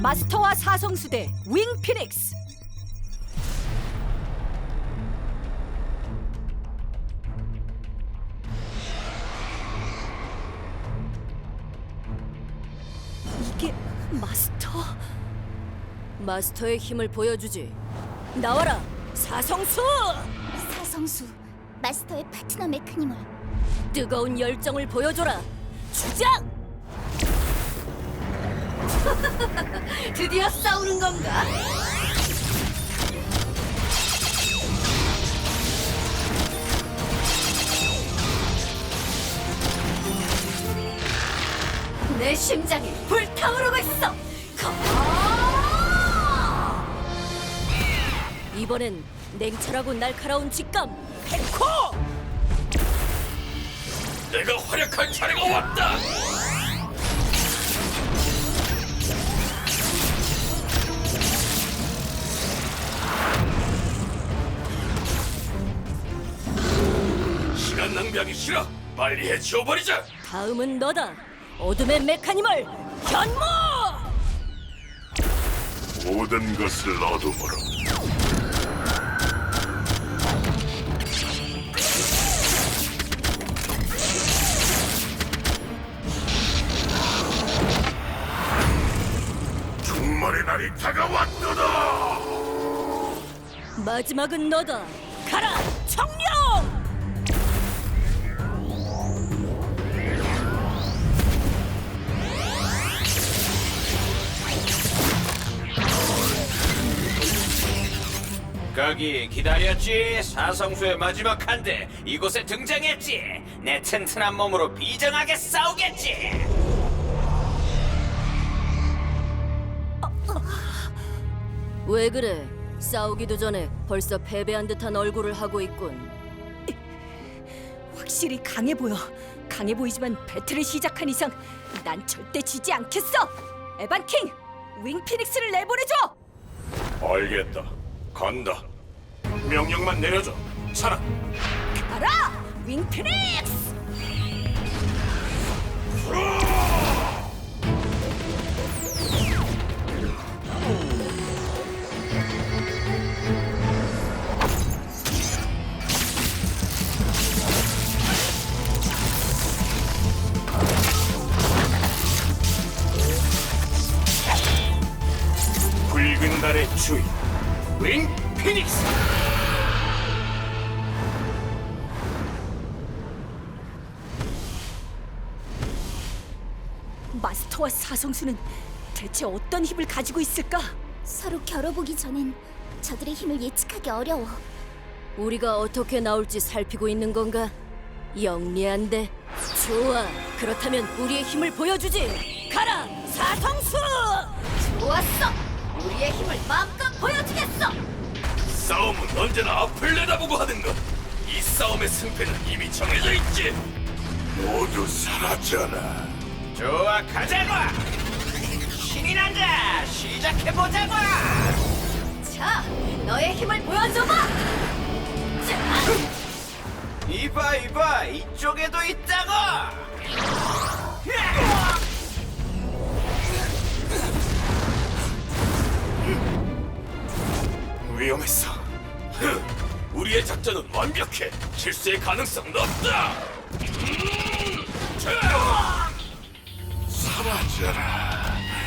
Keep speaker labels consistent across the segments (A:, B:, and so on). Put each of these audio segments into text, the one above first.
A: 마스터와 사성수대 윙 피닉스. 이게 마스터?
B: 마스터의 힘을 보여주지. 나와라, 사성수!
C: 사성수, 마스터의 파트너 메카니멀.
B: 뜨거운 열정을 보여줘라. 주장! 드디어 싸우는 건가? 내 심장이 불타오르고 있어. 이번엔 냉철하고 날카로운 직감, 펜코!
D: 내가 활약할 차례가 왔다. 시간 낭비하기 싫어. 빨리 해치워버리자.
B: 다음은 너다. 어둠의 메카니멀 현모!
D: 모든 것을 어둠으로. 종말의 날이 다가왔도다.
B: 마지막은 너다. 가라, 청룡!
E: 거기 기다렸지. 사성수의 마지막 한대 이곳에 등장했지. 내 튼튼한 몸으로 비정하게 싸우겠지.
B: 왜 그래? 싸우기도 전에 벌써 패배한 듯한 얼굴을 하고 있군.
A: 확실히 강해 보여. 강해 보이지만 배틀을 시작한 이상 난 절대 지지 않겠어. 에반 킹, 윙 피닉스를 내보내줘.
D: 알겠다. 간다. 명령만 내려줘. 차라.
A: 가라, 윙 피닉스.
D: 붉은 달의 주인 윙 피닉스.
A: 마스터와 사성수는 대체 어떤 힘을 가지고 있을까?
C: 서로 겨뤄보기 전엔 저들의 힘을 예측하기 어려워.
B: 우리가 어떻게 나올지 살피고 있는 건가? 영리한데. 좋아, 그렇다면 우리의 힘을 보여주지. 가라, 사성수! 좋았어, 우리의 힘을 마음껏 보여주겠어.
D: 싸움은 언제나 앞을 내다보고 하는 것. 이 싸움의 승패는 이미 정해져 있지. 모두 사라져라.
E: 좋아, 가자고. 신이 난다. 시작해보자고.
B: 자, 너의 힘을 보여줘봐. 자,
E: 이봐, 이쪽에도 있다고.
D: 위험했어. 우리의 작전은 완벽해. 실수의 가능성은 없다. 사라져라.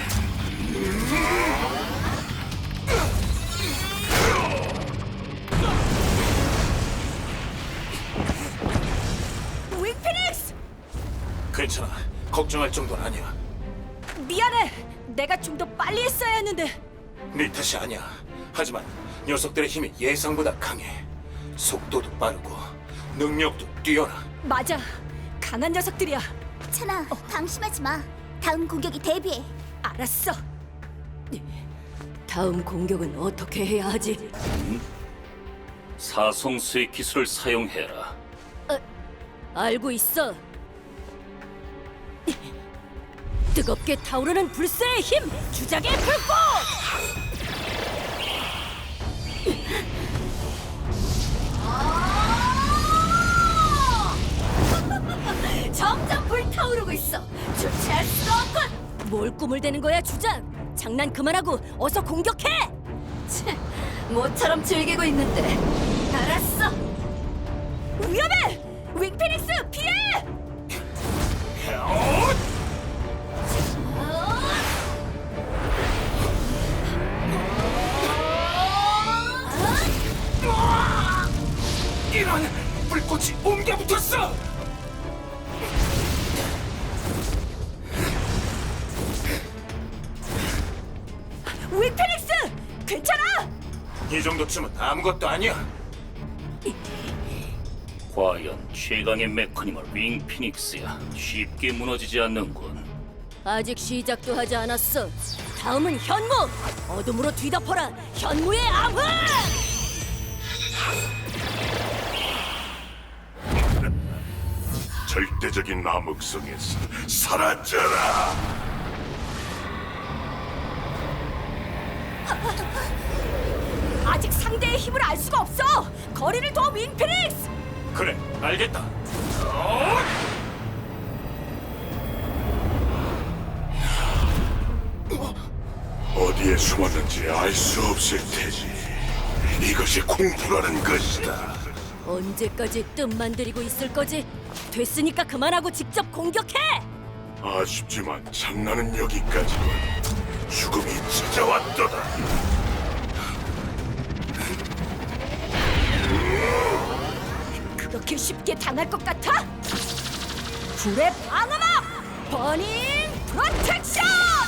A: 윙 피닉스!
D: 괜찮아. 걱정할 정도는 아니야.
A: 미안해. 내가 좀 더 빨리 했어야 했는데.
D: 네 탓이 아니야. 하지만 녀석들의 힘이 예상보다 강해. 속도도 빠르고 능력도 뛰어나.
A: 맞아. 강한 녀석들이야.
C: 찬아, 방심하지 마. 다음 공격이 대비해.
A: 알았어.
B: 다음 공격은 어떻게 해야 하지?
F: 사성수의 기술을 사용해라.
B: 알고 있어. 뜨겁게 타오르는 불새의 힘, 주작의 불꽃! 점점 불타오르고 있어. 주체할 수가 없군. 뭘 꿈을 대는 거야, 주작? 장난 그만하고 어서 공격해! 모처럼 즐기고 있는데. 알았어.
A: 위험해! 윙피닉스 피해!
D: 이런 불꽃이 옮겨 붙었어.
A: 윙피닉스 괜찮아?
D: 이 정도쯤은 아무것도 아니야.
F: 과연 최강의 메커니멀 윙 피닉스야 쉽게 무너지지 않는군.
B: 아직 시작도 하지 않았어. 다음은 현무! 어둠으로 뒤덮어라! 현무의 암흑!
D: 절대적인 암흑성에서 사라져라.
A: 아직 상대의 힘을 알 수가 없어! 거리를 둬 윙피닉스!
D: 그래, 알겠다. 어디에 숨었는지 알 수 없을 테지. 이것이 공부라는 것이다.
B: 언제까지 뜸만 들이고 있을 거지? 됐으니까 그만하고 직접 공격해!
D: 아쉽지만 장난은 여기까지군. 죽음이 찾아왔도다.
A: 그렇게 쉽게 당할 것 같아? 불의 방어막! 버닝 프로텍션!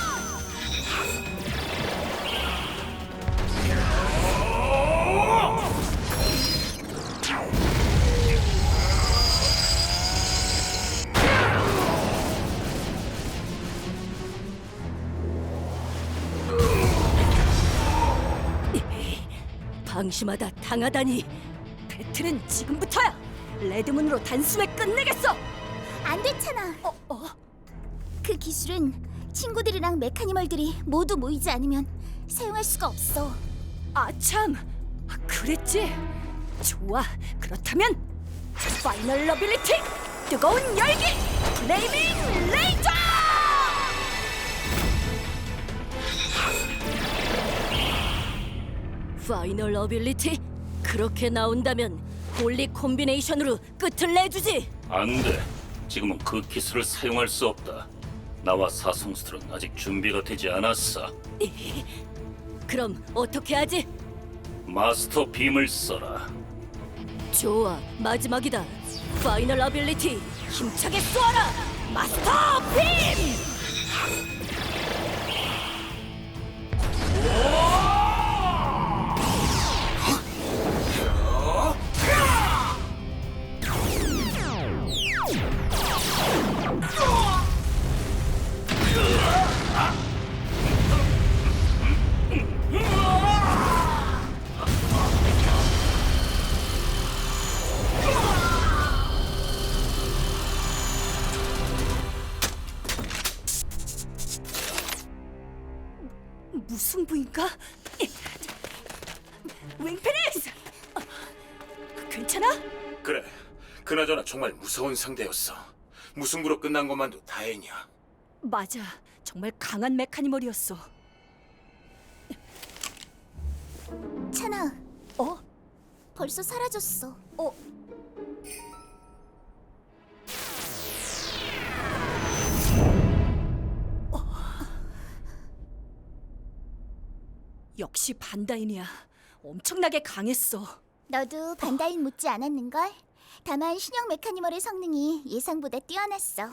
B: 방심하다 당하다니.
A: 배틀은 지금부터야! 레드문으로 단숨에 끝내겠어!
C: 안 됐잖아. 그 기술은 친구들이랑 메카니멀들이 모두 모이지 않으면 사용할 수가 없어.
A: 아참! 그랬지? 좋아, 그렇다면 파이널 러빌리티! 뜨거운 열기! 플레이밍 레이저!
B: 파이널 어빌리티? 그렇게 나온다면 홀리 콤비네이션으로 끝을 내주지.
F: 안 돼. 지금은 그 기술을 사용할 수 없다. 나와 사성수들은 아직 준비가 되지 않았어.
B: 그럼 어떻게 하지?
F: 마스터 빔을 써라.
B: 좋아, 마지막이다. 파이널 어빌리티 힘차게 쏘아라. 마스터 빔!
A: 무슨 부인가? 윙피닉스! 괜찮아?
D: 그래, 그나저나 정말 무서운 상대였어. 무승부로 끝난 것만도 다행이야.
A: 맞아, 정말 강한 메카니멀이었어.
C: 찬아,
A: 어?
C: 벌써 사라졌어.
A: 역시 반다인이야. 엄청나게 강했어.
C: 너도 반다인 못지 않았는걸? 다만 신형 메카니멀의 성능이 예상보다 뛰어났어.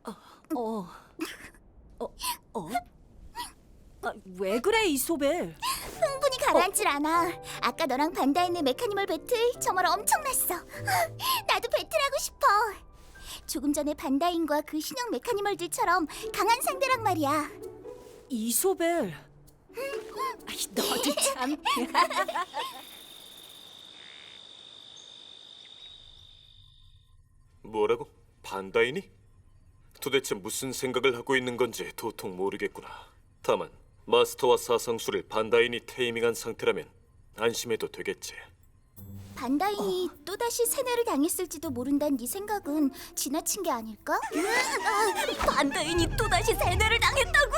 A: 왜 그래, 이소벨?
C: 흥분이 가라앉질 않아. 아까 너랑 반다인의 메카니멀 배틀 정말 엄청났어. 나도 배틀하고 싶어. 조금 전에 반다인과 그 신형 메카니멀들처럼 강한 상대란 말이야.
A: 이소벨. 너도 참.
G: 뭐라고? 반다인이? 도대체 무슨 생각을 하고 있는 건지 도통 모르겠구나. 다만 마스터와 사성수를 반다인이 테이밍한 상태라면 안심해도 되겠지.
C: 반다인이 또다시 세뇌를 당했을지도 모른다는 네 생각은 지나친 게 아닐까?
B: 반다인이 또다시 세뇌를 당했다고?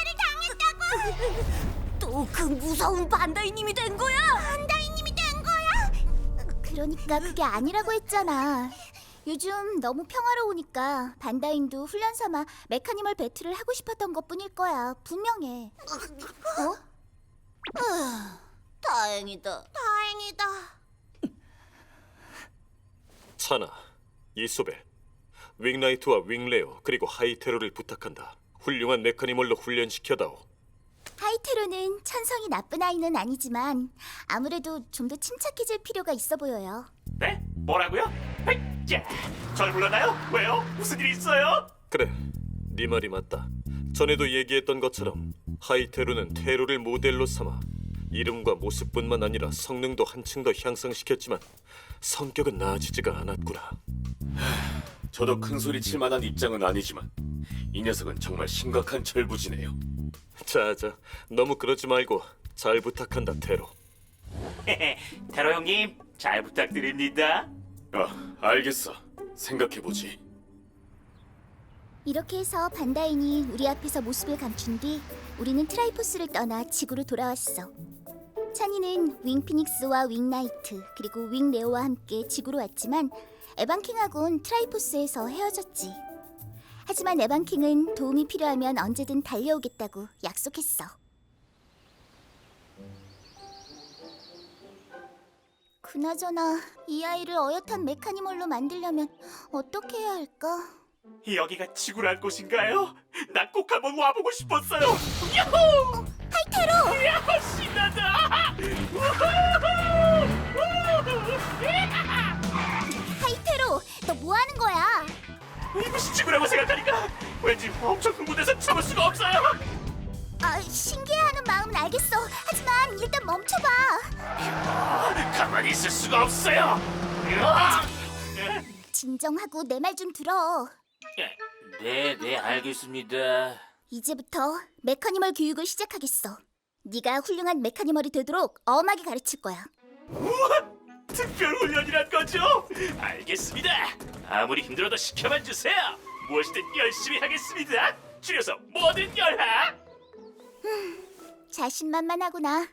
B: 또 그 무서운 반다이님이 된 거야?
C: 반다인님이 된 거야? 그러니까 그게 아니라고 했잖아. 요즘 너무 평화로우니까 반다인도 훈련 삼아 메카니멀 배틀을 하고 싶었던 것뿐일 거야. 분명해.
B: 다행이다.
C: 다행이다.
G: 차나, 이소벨, 윙나이트와 윙레오 그리고 하이테로를 부탁한다. 훌륭한 메카니멀로 훈련시켜다오.
C: 하이테로는 천성이 나쁜 아이는 아니지만 아무래도 좀 더 침착해질 필요가 있어 보여요.
H: 네? 뭐라고요? 자, 절 불렀나요? 왜요? 무슨 일 있어요?
G: 그래, 네 말이 맞다. 전에도 얘기했던 것처럼 하이테로는 테로를 모델로 삼아 이름과 모습뿐만 아니라 성능도 한층 더 향상시켰지만 성격은 나아지지가 않았구나.
D: 저도 큰 소리 칠 만한 입장은 아니지만 이 녀석은 정말 심각한 철부지네요.
G: 자자, 너무 그러지 말고 잘 부탁한다, 테로.
H: 테러 형님, 잘 부탁드립니다.
D: 알겠어. 생각해보지.
C: 이렇게 해서 반다인이 우리 앞에서 모습을 감춘 뒤 우리는 트라이포스를 떠나 지구로 돌아왔어. 찬이는 윙피닉스와 윙나이트 그리고 윙레오와 함께 지구로 왔지만 에반킹하고는 트라이포스에서 헤어졌지. 하지만 에반킹은 도움이 필요하면 언제든 달려오겠다고 약속했어. 그나저나 이 아이를 어엿한 메카니멀로 만들려면 어떻게 해야 할까?
H: 여기가 지구랄 곳인가요? 나 꼭 한번 와보고 싶었어요. 야호!
C: 하이테로!
H: 야호, 신난다!
C: 하이테로! 너 뭐 하는 거야?
H: 이것이 지구라고 생각하니까 왠지 엄청 흥분해서 참을 수가 없어요.
C: 아, 신기해하는 마음은 알겠어. 하지만 일단 멈춰봐.
H: 가만히 있을 수가 없어요.
C: 진정하고 내 말 좀 들어.
E: 네, 알겠습니다.
C: 이제부터 메카니멀 교육을 시작하겠어. 네가 훌륭한 메카니멀이 되도록 엄하게 가르칠 거야.
H: 우와! 특별 훈련이란 거죠? 알겠습니다. 아무리 힘들어도 시켜만 주세요. 무엇이든 열심히 하겠습니다. 줄여서 뭐든 열하.
C: 자신만만하구나.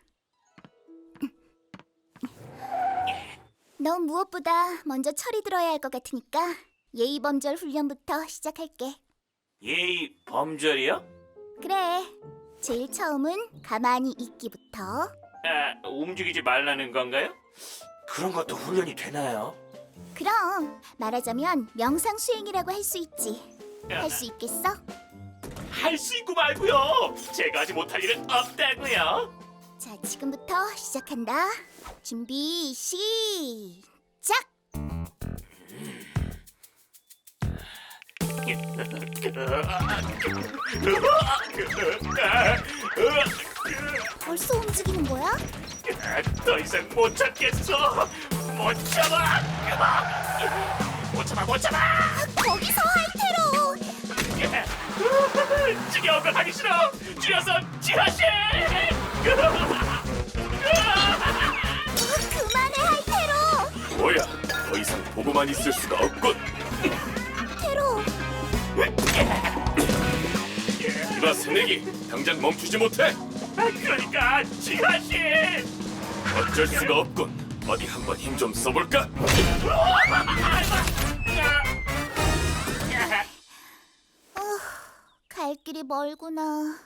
C: 넌 무엇보다 먼저 철이 들어야 할 것 같으니까 예의범절 훈련부터 시작할게.
H: 예의 범절이요?
C: 그래. 제일 처음은 가만히 있기부터.
H: 움직이지 말라는 건가요? 그런 것도 훈련이 되나요?
C: 그럼 말하자면 명상 수행이라고 할 수 있지. 할 수 있겠어?
H: 할 수 있고 말고요. 제가 하지 못할 일은 없다고요.
C: 자, 지금부터 시작한다. 준비 시작. 벌써 움직이는 거야?
H: 더 이상 못 참겠어. 못 참아. 못 참아.
C: 거기서 하이테로.
H: 지겨운 걸 하기 싫어. 줄여서 지하실.
C: 그만해 하이테로.
D: 뭐야? 더 이상 보고만 있을 수가 없군.
C: 테로.
D: 이봐 새내기, 당장 멈추지 못해.
H: 그러니까 지하실.
D: 어쩔 수가 없군. 어디 한번 힘 좀 써볼까?
C: 갈 길이 멀구나.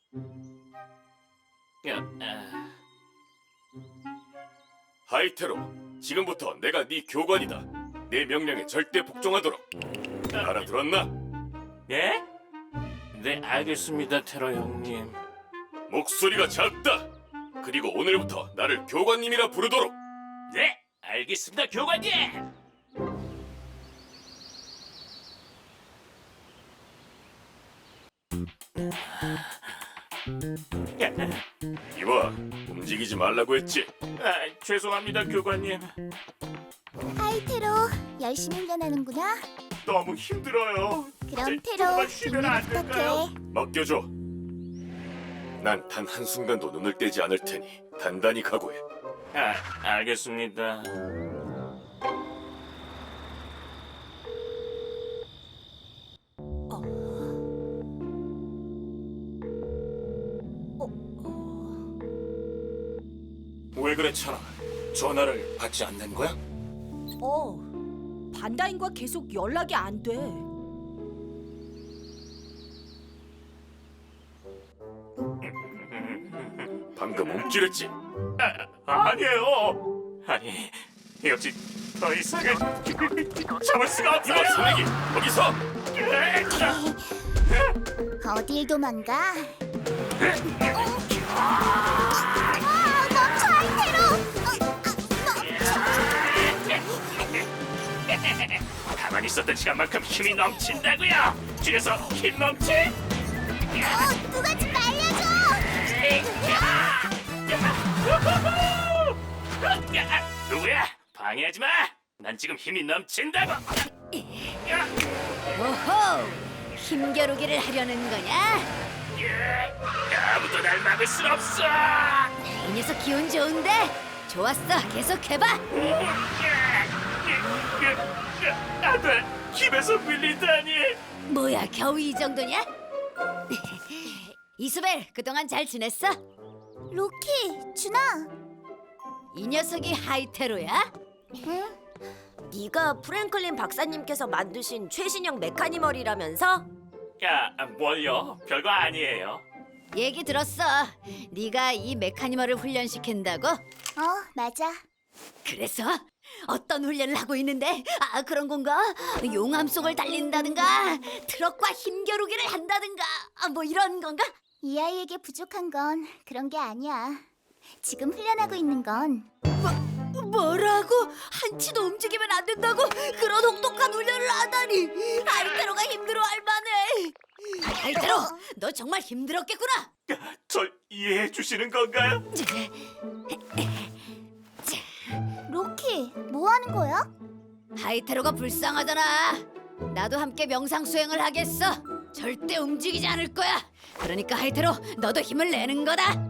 D: 하이테로, 지금부터 내가 네 교관이다. 내 명령에 절대 복종하도록. 알아들었나?
H: 네? 네, 알겠습니다, 테러 형님.
D: 목소리가 작다. 그리고 오늘부터 나를 교관님이라 부르도록.
H: 네, 알겠습니다, 교관님.
D: 이봐, 움직이지 말라고 했지.
H: 죄송합니다, 교관님.
C: 하이테로 열심히 훈련하는구나.
H: 너무 힘들어요.
C: 그럼
H: 이제
C: 테로
H: 조금만 쉬면 안
C: 빈을
H: 될까요?
C: 부탁해.
D: 맡겨줘. 난 단 한순간도 눈을 떼지 않을 테니 단단히 각오해.
H: 알겠습니다.
D: 왜 그래 찬아? 전화를 받지 않는 거야?
A: 반다인과 계속 연락이 안 돼.
D: 방금 움찔했지?
H: 아니에요. 아니, 역시 더 이상은 참을 수가 없어요.
D: 이봐 소리기 거기서!
C: 어딜 도망가?
H: 가만히 있었던 시간만큼 힘이 넘친다고요. 뒤에서 힘 넘치?
C: 누가 좀 말려줘!
H: 누구야? 방해하지 마. 난 지금 힘이 넘친다고.
B: 오호! 힘겨루기를 하려는 거냐?
H: 아무도 날 막을 순 없어.
B: 이 녀석 기운 좋은데? 좋았어, 계속해봐.
H: 안돼, 힘에서 밀리다니.
B: 뭐야, 겨우 이 정도냐? 이수벨, 그동안 잘 지냈어?
C: 로키, 준아.
B: 이 녀석이 하이테로야?
C: 응?
I: 네가 프랭클린 박사님께서 만드신 최신형 메카니멀이라면서?
H: 야, 뭘요? 별거 아니에요.
B: 얘기 들었어. 네가 이 메카니멀을 훈련시킨다고?
C: 맞아.
B: 그래서 어떤 훈련을 하고 있는데? 아, 그런 건가? 용암 속을 달린다든가 트럭과 힘겨루기를 한다든가 뭐 이런 건가?
C: 이 아이에게 부족한 건 그런 게 아니야. 지금 훈련하고 있는 건
B: 뭐라고? 한치도 움직이면 안 된다고? 그런 혹독한 훈련을 하다니. 하이테로가 힘들어할 만해. 하이테로, 너 정말 힘들었겠구나.
H: 절 이해해 주시는 건가요?
C: 로키, 뭐 하는 거야?
B: 하이테로가 불쌍하잖아. 나도 함께 명상 수행을 하겠어. 절대 움직이지 않을 거야. 그러니까 하이테로, 너도 힘을 내는 거다.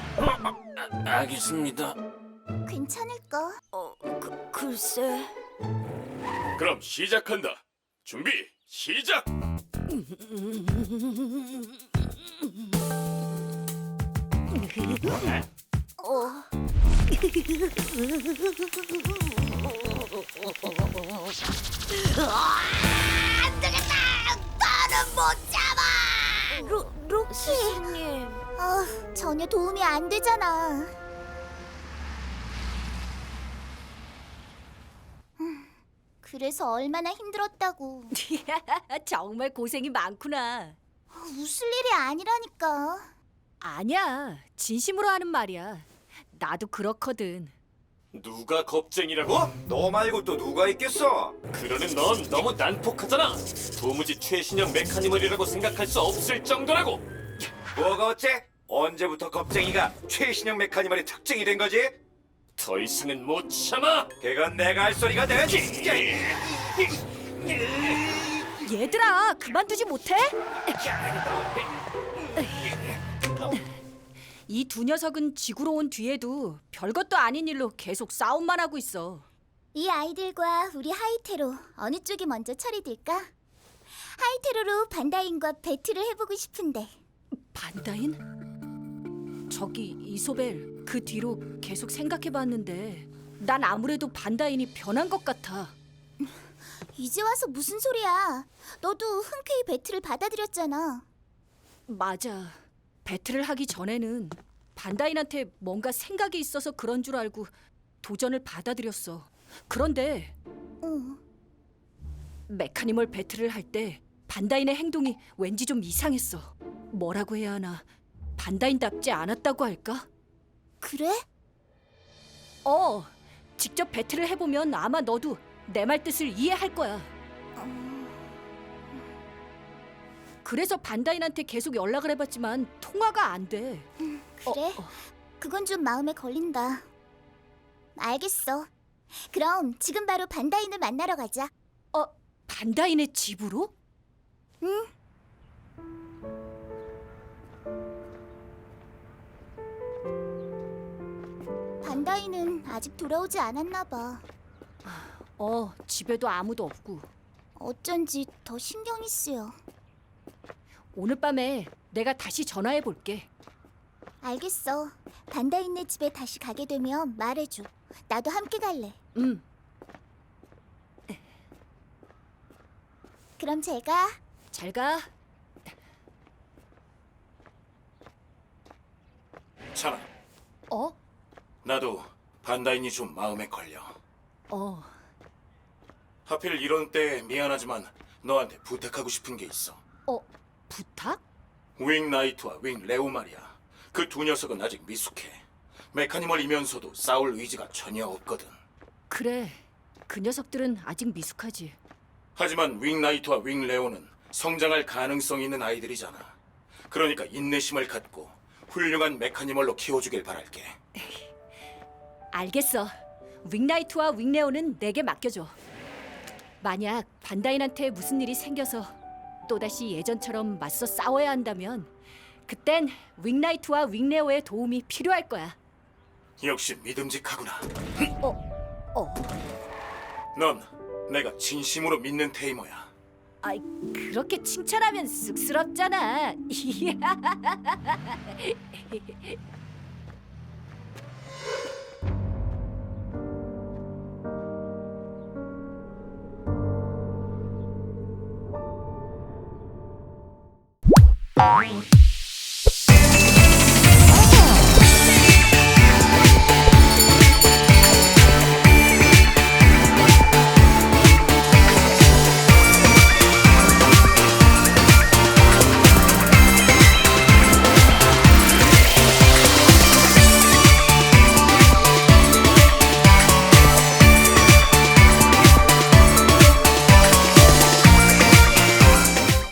D: 알겠습니다.
C: 괜찮을까?
I: 글쎄.
D: 그럼 시작한다. 준비 시작!
B: 안 되겠다. 나는 못 잡아.
C: 로키.
I: 스승님.
C: 전혀 도움이 안 되잖아. 그래서 얼마나 힘들었다고.
A: 정말 고생이 많구나.
C: 웃을 일이 아니라니까.
A: 아니야, 진심으로 하는 말이야. 나도 그렇거든.
D: 누가 겁쟁이라고? 너 말고 또 누가 있겠어?
G: 그러는 넌 너무 난폭하잖아. 도무지 최신형 메카니멀이라고 생각할 수 없을 정도라고.
D: 뭐가 어째? 언제부터 겁쟁이가 최신형 메카니멀의 특징이 된 거지?
G: 더 이상은 못 참아.
D: 그건 내가 할 소리가 되지.
A: 얘들아, 그만두지 못해? 이 두 녀석은 지구로 온 뒤에도 별것도 아닌 일로 계속 싸움만 하고 있어.
C: 이 아이들과 우리 하이테로 어느 쪽이 먼저 처리될까? 하이테로로 반다인과 배틀을 해보고 싶은데.
A: 반다인? 저기 이소벨, 그 뒤로 계속 생각해봤는데 난 아무래도 반다인이 변한 것 같아.
C: 이제 와서 무슨 소리야? 너도 흔쾌히 배틀을 받아들였잖아.
A: 맞아. 배틀을 하기 전에는 반다인한테 뭔가 생각이 있어서 그런 줄 알고 도전을 받아들였어. 그런데 메카니멀 배틀을 할 때 반다인의 행동이 왠지 좀 이상했어. 뭐라고 해야 하나, 반다인답지 않았다고 할까?
C: 그래?
A: 직접 배틀을 해보면 아마 너도 내 말 뜻을 이해할 거야. 그래서 반다인한테 계속 연락을 해봤지만 통화가 안 돼.
C: 그래? 그건 좀 마음에 걸린다. 알겠어. 그럼 지금 바로 반다인을 만나러 가자.
A: 반다인의 집으로?
C: 응. 반다인은 아직 돌아오지 않았나 봐.
A: 집에도 아무도 없고.
C: 어쩐지 더 신경이 쓰여.
A: 오늘 밤에 내가 다시 전화해 볼게.
C: 알겠어. 반다이네 집에 다시 가게 되면 말해줘. 나도 함께 갈래. 그럼 제가
A: 잘 가.
D: 찬아,
A: 어?
D: 나도 반다인이 좀 마음에 걸려.
A: 어.
D: 하필 이런 때에 미안하지만 너한테 부탁하고 싶은 게 있어.
A: 부탁?
D: 윙 나이트와 윙 레오 말이야. 그 두 녀석은 아직 미숙해. 메카니멀이면서도 싸울 의지가 전혀 없거든.
A: 그래. 그 녀석들은 아직 미숙하지.
D: 하지만 윙 나이트와 윙 레오는 성장할 가능성이 있는 아이들이잖아. 그러니까 인내심을 갖고 훌륭한 메카니멀로 키워주길 바랄게.
A: 알겠어. 윙나이트와 윙레오는 내게 맡겨줘. 만약 반다인한테 무슨 일이 생겨서 또다시 예전처럼 맞서 싸워야 한다면 그땐 윙나이트와 윙레오의 도움이 필요할 거야.
D: 역시 믿음직하구나.
A: 어?
D: 넌 내가 진심으로 믿는 테이머야.
A: 아이, 그렇게 칭찬하면 쑥스럽잖아.